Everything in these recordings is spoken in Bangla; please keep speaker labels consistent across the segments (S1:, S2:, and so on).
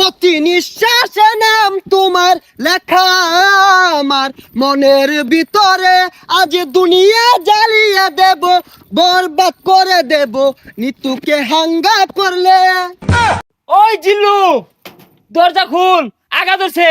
S1: প্রতি নিঃশ্বাসে নাম তোমার লেখা আমার মনের ভিতরে, আজ দুনিয়া জ্বালিয়ে দেব, বরবাদ করে দেব নিতুকে হাঙ্গা করলে।
S2: ওই জিল্লু, দরজা খুল, আগা ধরছে।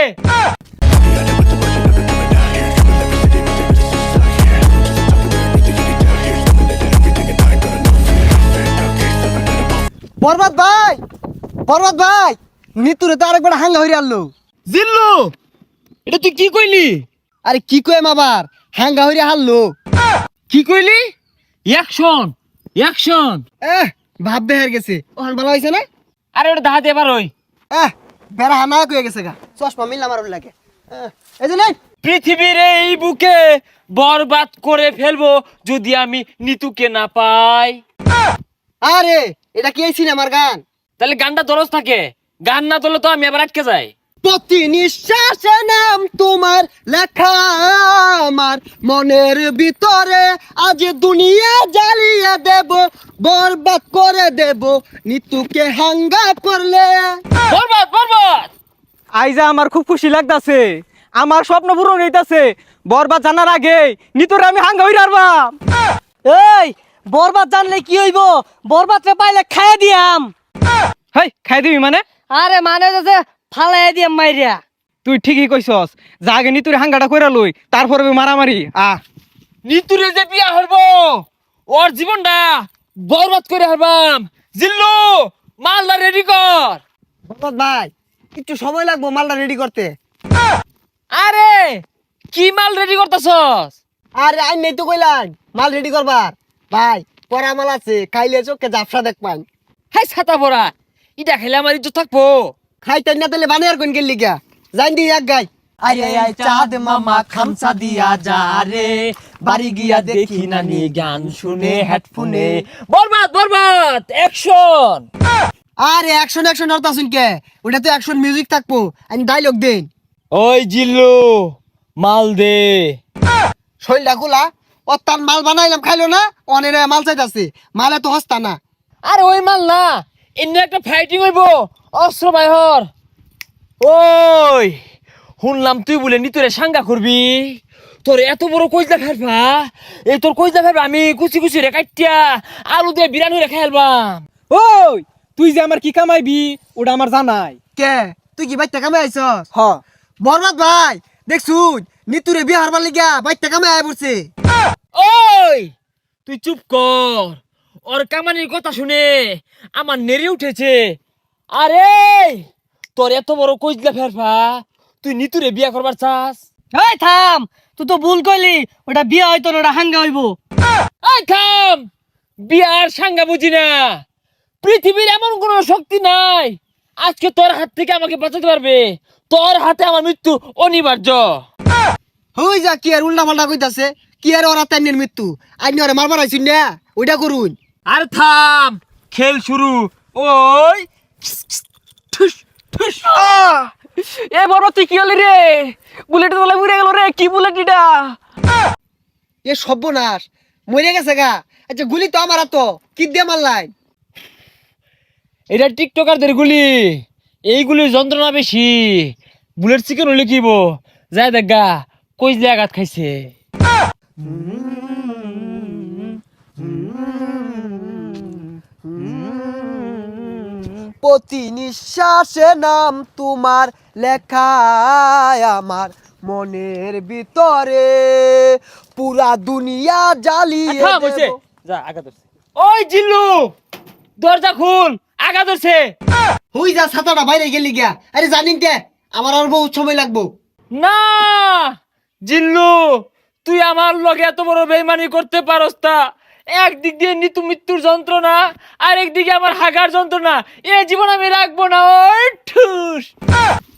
S1: বরবাদ ভাই, বরবাদ ভাই, নিতুরে তো আরেকবার হাঙ্গা হইরে আনলো।
S2: জিল্লু, এটা তুই কি কইলি?
S1: আরে কি কইম আবার, হাঙ্গা হইরে হারলো।
S2: কি কইলি? Action, action.
S1: ভাব বেহার গেছে, ওখান ভালো হয়েছে না?
S2: আরে ওটা দাহাতে এবার ওই
S1: বেড়া হানা কয়ে গেছে গা, চশমা মিললাম আর লাগে। এই যে নেই,
S2: পৃথিবীর এই বুকে বরবাদ করে ফেলবো যদি আমি নিতুকে না পাই।
S1: আরে এটা কি এই সিনেমার গান?
S2: তাহলে গানটা দরজ থাকে, গান না তোলে তো আমি আবার আটকে যাই।
S1: প্রতি নিঃশ্বাসে নাম তোমার লেখা আমার মনের ভিতরে, আজ দুনিয়া জ্বালিয়ে দেব, বরবাদ করে দেব নিতুকে হাঙ্গা করলে।
S2: বরবাদ, বরবাদ।
S3: আইজা আমার খুব খুশি লাগতাছে, আমার স্বপ্ন পূরণ হইতাছে। বরবাদ জানার আগে নিতরে আমি হাঙ্গা হইরা আরবাম। এই বরবাদ জানলে কি হইব? বরবাদরে পাইলে খাইয়া দিয়াম। হেই, খাই দিবি মানে? আরে মানে যে ফালাই দিয়াম মাইরিয়া। তুই ঠিকই কইছস, যা আগে নিতুরে হাঙ্গাটা কইরা লই, তারপরে মারামারি।
S2: নিতুরে যে বিয়া হরবো, ওর জীবনটা বরবাদ করে হারবাম। জিল্লু, মালদা রেডি কর।
S1: বরবাদ ভাই, একটু সময় লাগবো মালটা রেডি করতে।
S2: আরে কি মাল রেডি করতেছস?
S1: আরে আই নেই তো কইলাম মাল রেডি করবার। ভাই পরা মাল আছে, খাইলে চোখে জাফসা দেখ পান।
S2: হাই ছাতা পরা, ইটা খেলে আমার ইজ্জত থাকবো।
S1: খাইতেন না তাহলে বানিয়ার কোন গেলি গা, জান দি এক গাই।
S2: আরে আই চাঁদ মামা খামসা দিয়া যা রে, বাড়ি গিয়া দেখি নানি গান শুনে হেডফোনে। বরবাদ, বরবাদ, অ্যাকশন।
S1: আরে অ্যাকশন অ্যাকশন অর্থ আসুন কে, ওটা তো অ্যাকশন মিউজিক থাকবো, আমি ডাইলগ দেন।
S2: ওই জিল্লু, মাল দে।
S1: শৈলটা খোলা, ও তার মাল বানাইলাম খাইলো না, অনেরে মাল চাইতাছে, মালে তো হস্তা না।
S2: আরে ওই মাল না, এমনি একটা ফাইটিং হইবো, অস্ত্র বাইহর। ওই শুনলাম তুই বলে নিতরে সাঙ্গা করবি, তোর এত বড় কইজা ফেলবা, এই তোর কইজা ফেলবা আমি কুচি কুচি রে কাটিয়া আলু দিয়ে বিরানি রে খাইলবাম।
S3: ওই তুই যে আমার কি কামাইবি ওটা আমার জানাই।
S1: কে তুই কি বাইতে কামে আইছস?
S3: হ,
S1: বরবাদ ভাই দেখছুন, নিতুরে বিয়ে হারবার লিগা বাইতে কামে আয় পড়ছে।
S2: ওই তুই চুপ কর, ওর কামানির কথা শুনে আমার নেড়ে উঠেছে। আরে তোর এত বড় কইজলা ফেরফা, তুই নিতুরে বিয়া করবার চাস?
S3: এই থাম, তুই তো ভুল কইলি, ওটা বিয়ে হয়তো না, ওটা হাঙ্গা হইব।
S2: এই থাম, বিয়ার সাঙ্গা বুঝি না। পৃথিবীর এমন কোন শক্তি নাই আজকে তোর হাত থেকে আমাকে বাঁচাতে পারবে। তোর হাতে আমার মৃত্যু অনিবার্য।
S1: হই যা, কি আর উল্টা পাল্টা কইতাছে, কি আর ওরা তাইনের মৃত্যু, আইনি ওরে মারবার আইছুন না, ওইটা করুন।
S2: আর থাম, খেল শুরু। ওই ঠুস ঠুস।
S3: এ বড় তুই কি হলি রে? বুলেটের তলায় উড়ে গেল রে, কি বুলেট এটা?
S1: এ সর্বনাশ, মরে গেছে গা। আচ্ছা গুলি তো আমার তো কি দিয়ে মারলাই?
S2: এটা টিকটকারদের গুলি, এইগুলির যন্ত্রণা বেশি। বুলেট চিকেন হলে কিব যায় দেখ গা, কইজলে আঘাত খাইছে।
S1: প্রতি নিঃশ্বাসে নাম তোমার লেখা আমার মনের ভিতরে, পুরা দুনিয়া জ্বালিয়ে
S2: থাম, হইছে।
S1: দেব।
S2: যা আগা ধরছে। ওই জিল্লু, দরজা খুল, আগা ধরছে।
S1: হই যা, ছাতাটা বাইরে গেলি গিয়া। আরে জানিন কে, আমার আর বহুত সময় লাগবো।
S2: না জিল্লু, তুই আমার লগে এত বড় বেইমানি করতে পারস তা? একদিক দিয়ে নিতু মৃত্যুর যন্ত্রণা, আর একদিকে আমার হাগার যন্ত্রণা, এ জীবন আমি রাখবো না। ওই ঠুস।